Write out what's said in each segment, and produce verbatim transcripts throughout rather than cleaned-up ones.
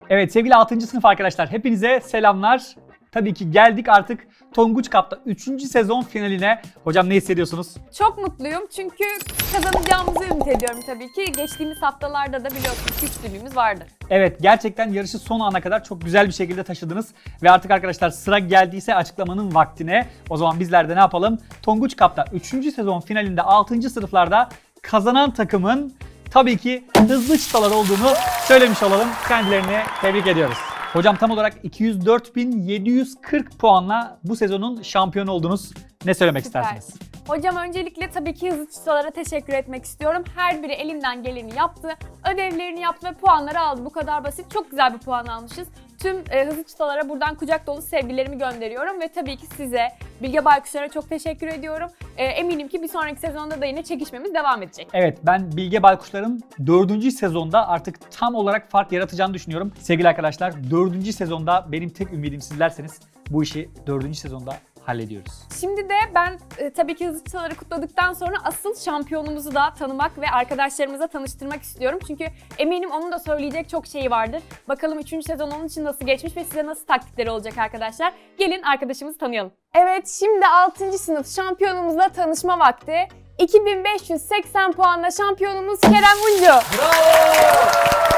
Evet sevgili altıncı sınıf arkadaşlar, hepinize selamlar. Tabii ki geldik artık Tonguç Cup'ta üçüncü sezon finaline. Hocam ne hissediyorsunuz? Çok mutluyum çünkü kazanacağımızı ümit ediyorum tabii ki. Geçtiğimiz haftalarda da biliyorsunuz üstünlüğümüz vardı. Evet, gerçekten yarışı son ana kadar çok güzel bir şekilde taşıdınız. Ve artık arkadaşlar sıra geldiyse açıklamanın vaktine. O zaman bizler de ne yapalım? Tonguç Cup'ta üçüncü sezon finalinde altıncı sınıflarda kazanan takımın tabii ki hızlı çıtalar olduğunu söylemiş olalım. Kendilerini tebrik ediyoruz. Hocam tam olarak iki yüz dört bin yedi yüz kırk puanla bu sezonun şampiyonu oldunuz. Ne söylemek Süper. istersiniz? Hocam öncelikle tabii ki hızlı çıtalara teşekkür etmek istiyorum. Her biri elinden geleni yaptı, ödevlerini yaptı ve puanları aldı. Bu kadar basit. Çok güzel bir puan almışız. Tüm e, hızlı çıtalara buradan kucak dolu sevgilerimi gönderiyorum ve tabii ki size, Bilge Baykuşlar'a çok teşekkür ediyorum. E, eminim ki bir sonraki sezonda da yine çekişmemiz devam edecek. Evet, ben Bilge Baykuşlar'ın dördüncü sezonda artık tam olarak fark yaratacağını düşünüyorum. Sevgili arkadaşlar, dördüncü sezonda benim tek ümidim sizlerseniz bu işi dördüncü sezonda hallediyoruz. Şimdi de ben e, tabii ki hızlı çıtaları kutladıktan sonra asıl şampiyonumuzu da tanımak ve arkadaşlarımıza tanıştırmak istiyorum. Çünkü eminim onun da söyleyecek çok şeyi vardır. Bakalım üçüncü sezon onun için nasıl geçmiş ve size nasıl taktikleri olacak arkadaşlar. Gelin arkadaşımızı tanıyalım. Evet, şimdi altıncı sınıf şampiyonumuzla tanışma vakti. iki bin beş yüz seksen puanla şampiyonumuz Kerem Uncu. Bravo!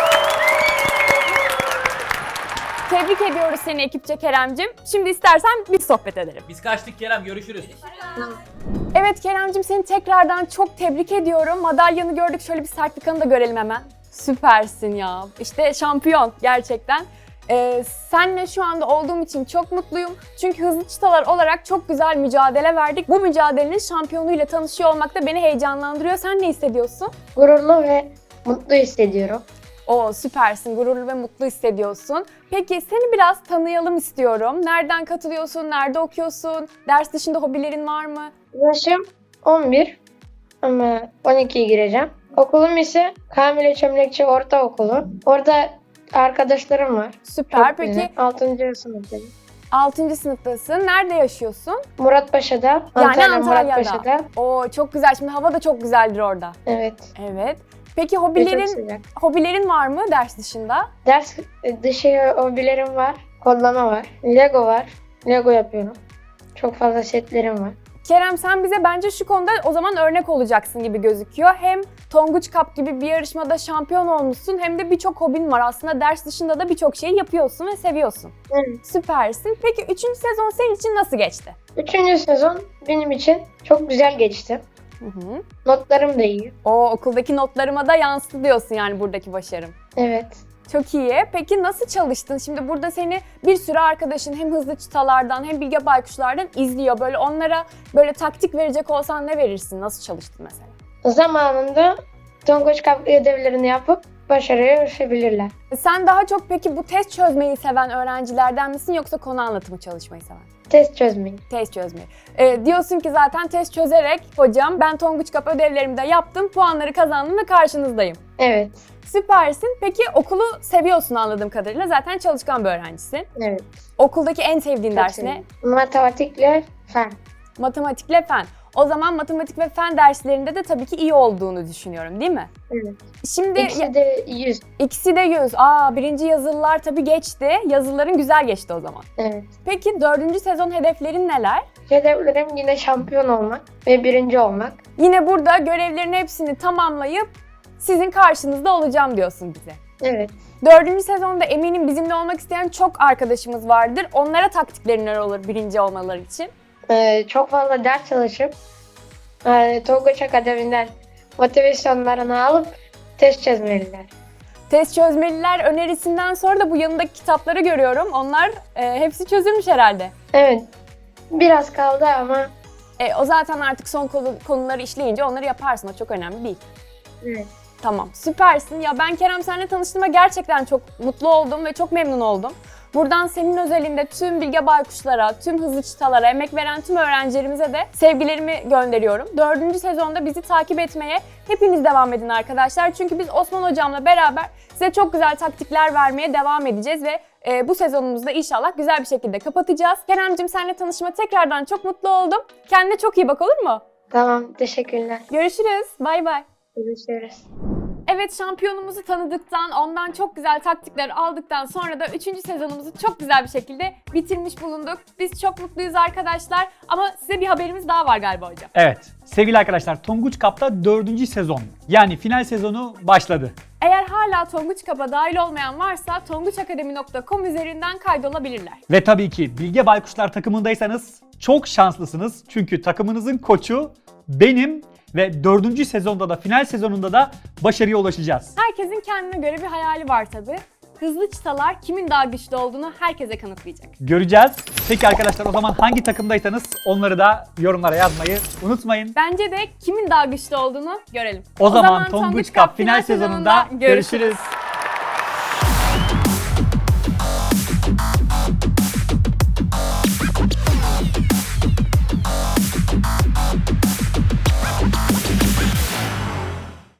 Tebrik ediyoruz seni ekipçe Keremcim. Şimdi istersen biz sohbet edelim. Biz kaçtık Kerem, görüşürüz. Evet Keremcim, seni tekrardan çok tebrik ediyorum. Madalyanı gördük, şöyle bir sertifikanı da görelim hemen. Süpersin ya. İşte şampiyon gerçekten. Ee, senle şu anda olduğum için çok mutluyum. Çünkü hızlı çıtalar olarak çok güzel mücadele verdik. Bu mücadelenin şampiyonuyla tanışıyor olmak da beni heyecanlandırıyor. Sen ne hissediyorsun? Gururlu ve mutlu hissediyorum. Oo, süpersin, gururlu ve mutlu hissediyorsun. Peki seni biraz tanıyalım istiyorum. Nereden katılıyorsun, nerede okuyorsun, ders dışında hobilerin var mı? Yaşım on bir ama on ikiye gireceğim. Okulum ise Kamile Çömlekçi Ortaokulu. Orada arkadaşlarım var. Süper, Çok peki güzel. altıncı sınıftayım. altıncı sınıftasın. Nerede yaşıyorsun? Muratpaşa'da, Yani Antalya Antalya'da. Muratpaşa'da. Oo, çok güzel. Şimdi hava da çok güzeldir orada. Evet. Evet. Peki Ve çok hobilerin sıcak. hobilerin var mı ders dışında? Ders dışı hobilerim var. Kodlama var. Lego var. Lego yapıyorum. Çok fazla setlerim var. Kerem, sen bize bence şu konuda o zaman örnek olacaksın gibi gözüküyor. Hem Tonguç Cup gibi bir yarışmada şampiyon olmuşsun, hem de birçok hobin var. Aslında ders dışında da birçok şeyi yapıyorsun ve seviyorsun. Evet. Süpersin. Peki üçüncü sezon senin için nasıl geçti? Üçüncü sezon benim için çok güzel geçti. Hı hı. Notlarım da iyi. O okuldaki notlarıma da yansıdı diyorsun yani buradaki başarım. Evet. Çok iyi. Peki nasıl çalıştın? Şimdi burada seni bir sürü arkadaşın hem hızlı çıtalardan hem Bilge Baykuşlardan izliyor. Böyle onlara böyle taktik verecek olsan ne verirsin? Nasıl çalıştın mesela? Zamanında Tonguç Cup ödevlerini yapıp başarıya erişebilirler. Sen daha çok peki bu test çözmeyi seven öğrencilerden misin yoksa konu anlatımı çalışmayı seven? Test çözmeyi. Test çözmeyi. Ee, diyorsun ki zaten test çözerek hocam ben Tonguç Cup ödevlerimi de yaptım, puanları kazandım ve karşınızdayım. Evet. Süpersin. Peki okulu seviyorsun anladığım kadarıyla. Zaten çalışkan bir öğrencisin. Evet. Okuldaki en sevdiğin Çok ders ne? seviyorum. Matematikle fen. Matematikle fen. O zaman matematik ve fen derslerinde de tabii ki iyi olduğunu düşünüyorum, değil mi? Evet. Şimdi ya- İkisi de yüz. ikisi de yüz. Aa, birinci yazılılar tabii geçti. Yazıların güzel geçti o zaman. Evet. Peki dördüncü sezon hedeflerin neler? Hedeflerim yine şampiyon olmak ve birinci olmak. Yine burada görevlerin hepsini tamamlayıp sizin karşınızda olacağım diyorsun bize. Evet. Dördüncü sezonda eminim bizimle olmak isteyen çok arkadaşımız vardır. Onlara taktiklerin neler olur birinci olmaları için? Ee, çok fazla ders çalışıp e, Tonguç Akademi'den motivasyonlarını alıp test çözmeliler. Test çözmeliler önerisinden sonra da bu yanındaki kitapları görüyorum. Onlar e, hepsi çözülmüş herhalde. Evet. Biraz kaldı ama E, o zaten artık son konu- konuları işleyince onları yaparsın. O çok önemli değil. evet. Tamam, süpersin. Ya ben Kerem seninle tanıştığıma gerçekten çok mutlu oldum ve çok memnun oldum. Buradan senin özelinde tüm Bilge Baykuşlara, tüm hızlı çıtalara, emek veren tüm öğrencilerimize de sevgilerimi gönderiyorum. Dördüncü sezonda bizi takip etmeye hepiniz devam edin arkadaşlar. Çünkü biz Osman Hocam'la beraber size çok güzel taktikler vermeye devam edeceğiz ve e, bu sezonumuzu da inşallah güzel bir şekilde kapatacağız. Kerem'cim seninle tanışma tekrardan çok mutlu oldum. Kendine çok iyi bak, olur mu? Tamam. Teşekkürler. Görüşürüz. Bay bay. Görüşürüz. Evet. Evet, şampiyonumuzu tanıdıktan, ondan çok güzel taktikler aldıktan sonra da üçüncü sezonumuzu çok güzel bir şekilde bitirmiş bulunduk. Biz çok mutluyuz arkadaşlar ama size bir haberimiz daha var galiba hocam. Evet, sevgili arkadaşlar, Tonguç Cup'ta dördüncü sezon yani final sezonu başladı. Eğer hala Tonguç Cup'a dahil olmayan varsa tonguç akademi nokta com üzerinden kaydolabilirler. Ve tabii ki Bilge Baykuşlar takımındaysanız çok şanslısınız. Çünkü takımınızın koçu benim ve dördüncü sezonda da final sezonunda da başarıya ulaşacağız. Herkesin kendine göre bir hayali var tabii. Hızlı çıtalar kimin daha güçlü olduğunu herkese kanıtlayacak. Göreceğiz. Peki arkadaşlar, o zaman hangi takımdaysanız onları da yorumlara yazmayı unutmayın. Bence de kimin daha güçlü olduğunu görelim. O, zaman Tonguç Cup final sezonunda görüşürüz.